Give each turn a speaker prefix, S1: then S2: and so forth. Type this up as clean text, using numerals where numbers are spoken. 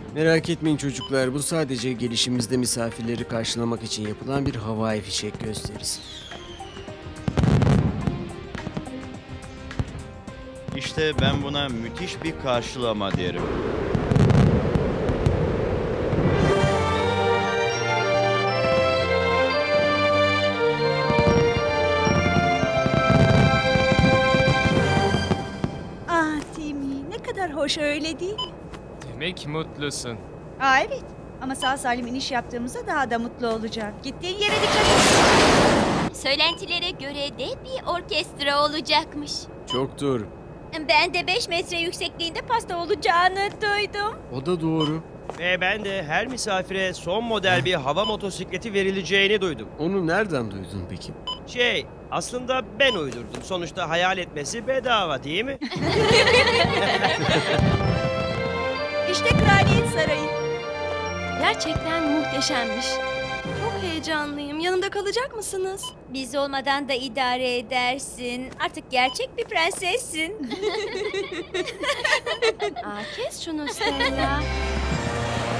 S1: Merak etmeyin çocuklar, bu sadece gelişimizde misafirleri karşılamak için yapılan bir havai fişek gösterisi.
S2: İşte ben buna müthiş bir karşılama derim.
S3: Ah Timmy, ne kadar hoş öyle değil mi?
S4: Demek mutlusun.
S3: Evet. Ama sağ salim iniş yaptığımızda daha da mutlu olacağım. Gittiğin yere dikkat et.
S5: Söylentilere göre de bir orkestra olacakmış.
S1: Çok doğru.
S5: Ben de 5 metre yüksekliğinde pasta olacağını duydum.
S1: O da doğru.
S6: Ve ben de her misafire son model bir hava motosikleti verileceğini duydum.
S1: Onu nereden duydun peki?
S6: Aslında ben uydurdum. Sonuçta hayal etmesi bedava değil mi?
S3: İşte Kraliyet Sarayı.
S7: Gerçekten muhteşemmiş. Çok heyecanlıyım. Yanımda kalacak mısınız?
S5: Biz olmadan da idare edersin. Artık gerçek bir prensessin.
S7: Aa, kes şunu Stella.